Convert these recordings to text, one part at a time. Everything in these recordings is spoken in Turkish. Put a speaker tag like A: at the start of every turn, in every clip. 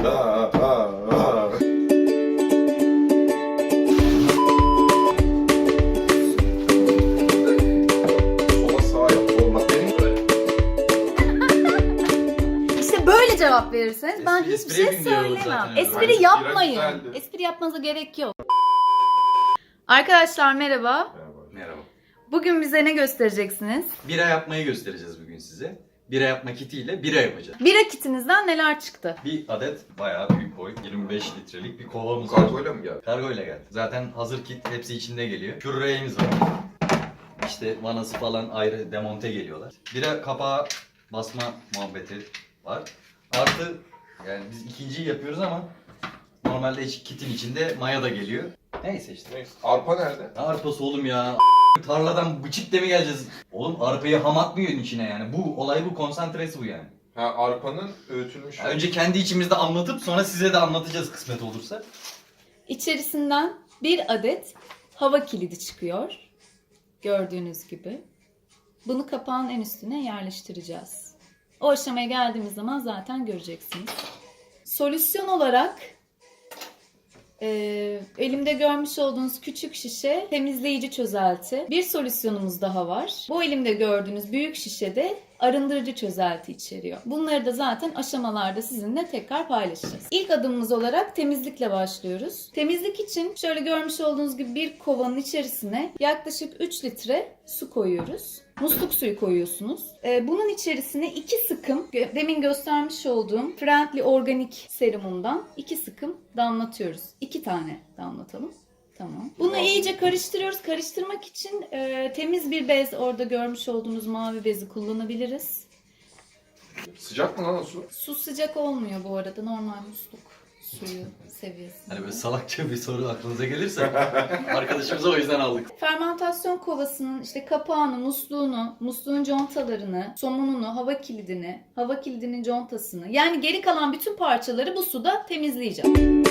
A: İşte böyle cevap verirseniz ben hiçbir şey söylemem.
B: zaten.
A: Espri yapmayın. Espri yapmanıza gerek yok. Arkadaşlar merhaba.
B: Merhaba.
A: Bugün bize ne göstereceksiniz?
B: Bira yapmayı göstereceğiz bugün size. Bira yapma kitiyle bira yapacağız.
A: Bira kitinizden neler çıktı?
B: Bir adet bayağı büyük boy, 25 litrelik bir kovamız var.
C: Kargoyla mı geldi?
B: Kargoyla geldi. Zaten hazır kit hepsi içinde geliyor. Kürreğimiz var. İşte vanası falan ayrı demonte geliyorlar. Bira kapağı basma muhabbeti var. Artı yani biz ikinciyi yapıyoruz ama normalde kitin içinde maya da geliyor. Neyse işte.
C: Neyse. Arpa nerede?
B: Ne arpası oğlum ya? Tarladan bıçıkla mi geleceğiz? Oğlum arpayı ham atmıyorsun içine yani. Bu olay bu, konsantresi bu yani.
C: Ha, arpanın öğütülmüş.
B: Ya önce kendi içimizde anlatıp sonra size de anlatacağız kısmet olursa.
A: İçerisinden bir adet hava kilidi çıkıyor. Gördüğünüz gibi. Bunu kapağın en üstüne yerleştireceğiz. O aşamaya geldiğimiz zaman zaten göreceksiniz. Solüsyon olarak elimde görmüş olduğunuz küçük şişe temizleyici çözelti. Bir solüsyonumuz daha var. Bu elimde gördüğünüz büyük şişede arındırıcı çözelti içeriyor. Bunları da zaten aşamalarda sizinle tekrar paylaşacağız. İlk adımımız olarak temizlikle başlıyoruz. Temizlik için şöyle görmüş olduğunuz gibi bir kovanın içerisine yaklaşık 3 litre su koyuyoruz. Musluk suyu koyuyorsunuz. Bunun içerisine 2 sıkım, demin göstermiş olduğum Friendly Organik serumundan 2 sıkım damlatıyoruz. 2 tane damlatalım. Tamam. Bunu iyice karıştırıyoruz. Karıştırmak için temiz bir bez, orada görmüş olduğunuz mavi bezi kullanabiliriz.
C: Sıcak mı lan o su?
A: Su sıcak olmuyor bu arada. Normal musluk suyu seviyesi.
B: Hani böyle salakça bir soru aklınıza gelirse arkadaşımıza o yüzden aldık.
A: Fermantasyon kovasının işte kapağını, musluğunu, musluğun contalarını, somununu, hava kilidini, hava kilidinin contasını, yani geri kalan bütün parçaları bu suda temizleyeceğim.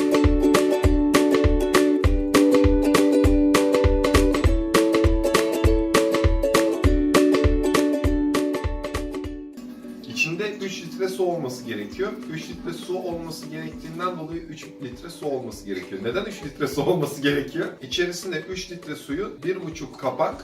C: İçinde 3 litre su olması gerekiyor. 3 litre su olması gerektiğinden dolayı 3 litre su olması gerekiyor. Neden 3 litre su olması gerekiyor? İçerisinde 3 litre suyu 1,5 kapak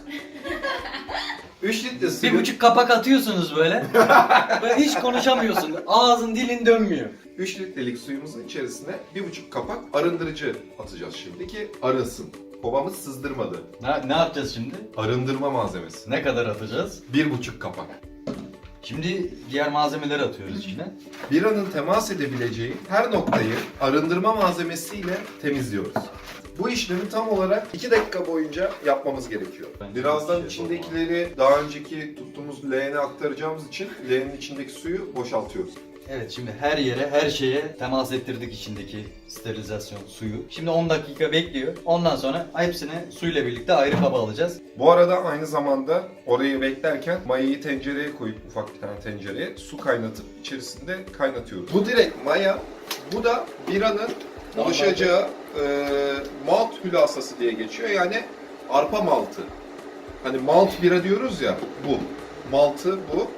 C: 3 litre suyu
B: 1,5 kapak atıyorsunuz böyle. Böyle hiç konuşamıyorsun. Ağzın dilin dönmüyor.
C: 3 litrelik suyumuzun içerisine 1,5 kapak arındırıcı atacağız şimdi ki arınsın. Kovamız sızdırmadı.
B: Ne yapacağız şimdi?
C: Arındırma malzemesi.
B: Ne kadar atacağız?
C: 1,5 kapak.
B: Şimdi diğer malzemeleri atıyoruz içine.
C: Biranın temas edebileceği her noktayı arındırma malzemesiyle temizliyoruz. Bu işlemi tam olarak 2 dakika boyunca yapmamız gerekiyor. Birazdan içindekileri daha önceki tuttuğumuz leğene aktaracağımız için leğenin içindeki suyu boşaltıyoruz.
B: Evet, şimdi her yere, her şeye temas ettirdik içindeki sterilizasyon suyu. Şimdi 10 dakika bekliyor. Ondan sonra hepsini suyla birlikte ayrı kaba alacağız.
C: Bu arada aynı zamanda orayı beklerken mayayı tencereye koyup ufak bir tane tencereye su kaynatıp içerisinde kaynatıyoruz. Bu direkt maya, bu da biranın oluşacağı malt hülasası diye geçiyor. Yani arpa maltı. Hani malt bira diyoruz ya, bu. Maltı bu.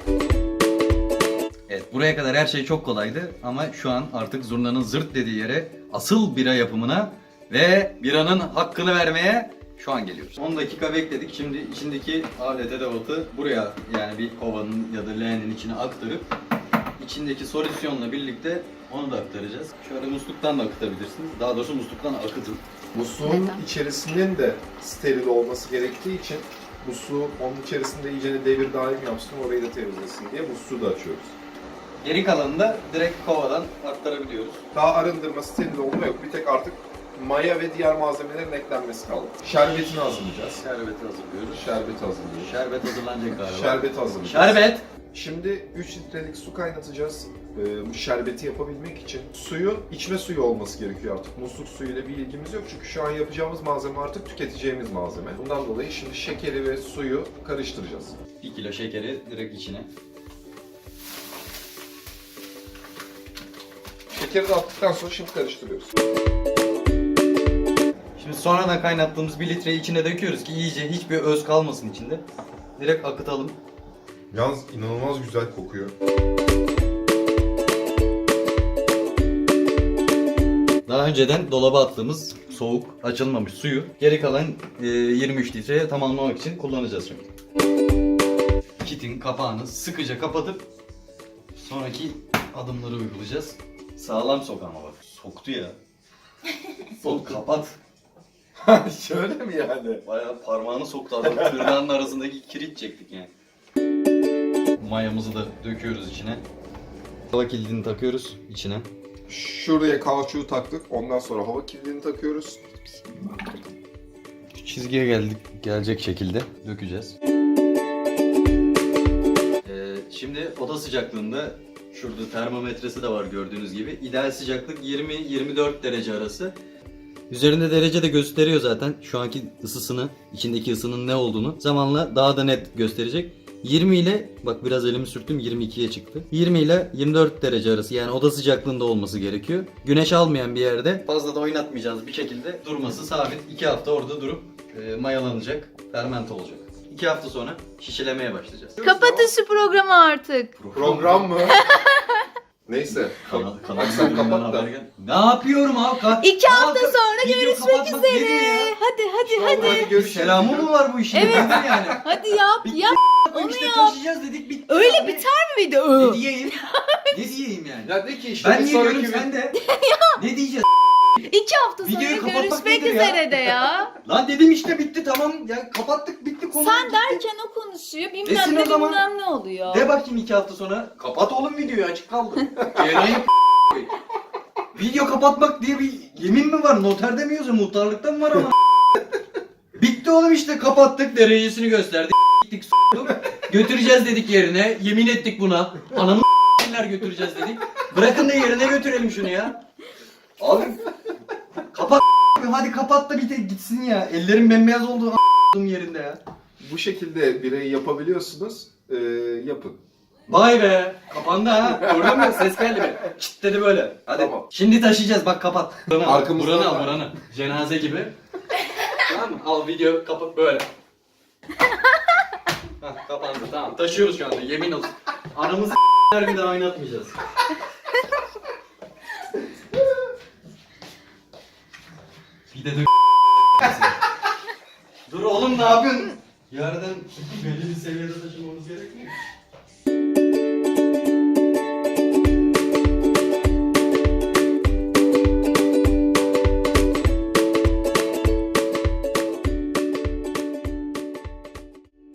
B: Evet, buraya kadar her şey çok kolaydı ama şu an artık zurnanın zırt dediği yere asıl bira yapımına ve biranın hakkını vermeye şu an geliyoruz. 10 dakika bekledik. Şimdi içindeki alet edevatı buraya, yani bir kovanın ya da leğenin içine aktarıp içindeki solüsyonla birlikte onu da aktaracağız. Şöyle musluktan da akıtabilirsiniz. Daha doğrusu musluktan akıtın.
C: Musluğun içerisinin de steril olması gerektiği için musluğu onun içerisinde iyice devir daim yapsın, orayı da temizlesin diye musluğu da açıyoruz.
B: Geri kalanını da direkt kovadan aktarabiliyoruz.
C: Daha arındırma, steril olma yok. Bir tek artık maya ve diğer malzemelerin eklenmesi kaldı. Şerbetini hazırlayacağız.
B: Şerbeti hazırlıyoruz.
C: Şerbeti hazırlıyoruz.
B: Şerbet hazırlanacak galiba.
C: Şerbeti hazırlayacağız.
B: Şerbet!
C: Şimdi 3 litrelik su kaynatacağız. Bu şerbeti yapabilmek için suyun içme suyu olması gerekiyor artık. Musluk suyuyla bir ilgimiz yok çünkü şu an yapacağımız malzeme artık tüketeceğimiz malzeme. Bundan dolayı şimdi şekeri ve suyu karıştıracağız.
B: 1 kilo şekeri direkt içine.
C: Şekeri de attıktan sonra şimdi karıştırıyoruz.
B: Şimdi sonradan kaynattığımız 1 litreyi içine döküyoruz ki iyice hiçbir öz kalmasın içinde. Direkt akıtalım.
C: Yalnız inanılmaz güzel kokuyor.
B: Daha önceden dolaba attığımız soğuk, açılmamış suyu geri kalan 23 litreye tamamlamak için kullanacağız şimdi. Kitin kapağını sıkıca kapatıp sonraki adımları uygulayacağız. Sağlam sok ama bak. Soktu ya. Sok kapat.
C: Şöyle mi yani?
B: Bayağı parmağını soktu adam. Tırnağının arasındaki kilit çektik yani. Mayamızı da döküyoruz içine. Hava kilidini takıyoruz içine.
C: Şuraya kauçuğu taktık. Ondan sonra hava kilidini takıyoruz.
B: Çizgiye gelecek şekilde dökeceğiz. Şimdi oda sıcaklığında şurada termometresi de var gördüğünüz gibi. İdeal sıcaklık 20-24 derece arası. Üzerinde derece de gösteriyor zaten. Şu anki ısısını, içindeki ısının ne olduğunu zamanla daha da net gösterecek. 20 ile, bak biraz elimi sürttüm, 22'ye çıktı. 20 ile 24 derece arası, yani oda sıcaklığında olması gerekiyor. Güneş almayan bir yerde, fazla da oynatmayacağız bir şekilde durması sabit. 2 hafta orada durup mayalanacak, fermente olacak. 2 hafta sonra şişelemeye başlayacağız.
A: Kapatın şu programı artık.
C: Program mı? Neyse. Bak sen kapat da.
B: Ne yapıyorum abi?
A: 2 hafta sonra
B: Video
A: görüşmek
B: kapatmak nedir
A: üzere.
B: ya?
A: Hadi.
C: Hadi görüşürüz.
B: Selamı mı var bu işin?
A: Evet.
B: Nedir yani?
A: Hadi yap.
B: Bitti.
A: Yap.
B: Onu
A: işte
B: taşıyacağız dedik bitti.
A: Öyle
B: abi.
A: biter mi video?
B: Ne diyeyim? Ne diyeyim yani?
C: Ya de ki işte
B: Ben
C: bir
B: niye
C: sonraki
B: diyorum sen de? Ne diyeceğiz?
A: 2 hafta sonra
B: Videoyu kapatmak
A: görüşmek
B: nedir ya?
A: üzere de ya.
B: Lan dedim işte bitti tamam ya kapattık bitti konu.
A: Sen
B: bitti.
A: derken o konuşuyor.
B: Desin
A: Bilmem
B: o
A: ne
B: zaman.
A: bilmem ne oluyor.
B: De bakayım 2 hafta sonra. Kapat oğlum videoyu açık kaldı. Yayınlayıp video kapatmak diye bir yemin mi var? Noterde mi yazıyor? Muhtarlıkta mı var ama? Bitti oğlum işte kapattık derecesini gösterdik. Gittik götüreceğiz dedik yerine. Yemin ettik buna. Anamı götüreceğiz dedik. Bırakın da yerine götürelim şunu ya. Abi kapat hadi kapat da bir de gitsin ya. Ellerim bembeyaz oldu yerinde ya.
C: Bu şekilde bireyi yapabiliyorsunuz. Yapın.
B: Vay be kapandı ha. Gördün mü? Ses geldi mi? Çıt dedi böyle. Hadi.
C: Tamam.
B: Şimdi taşıyacağız bak kapat. Buranı al.
C: Arkamızdan
B: Buranı al
C: var.
B: buranı. Cenaze gibi. Tamam mı? Al video kapat böyle. Hah kapandı tamam. Taşıyoruz şu anda yemin olsun. Anamızı bir daha oynatmayacağız. Bir de dur oğlum ne yapıyorsun? Yerden belli bir seviyede taşımamız gerekmiyor.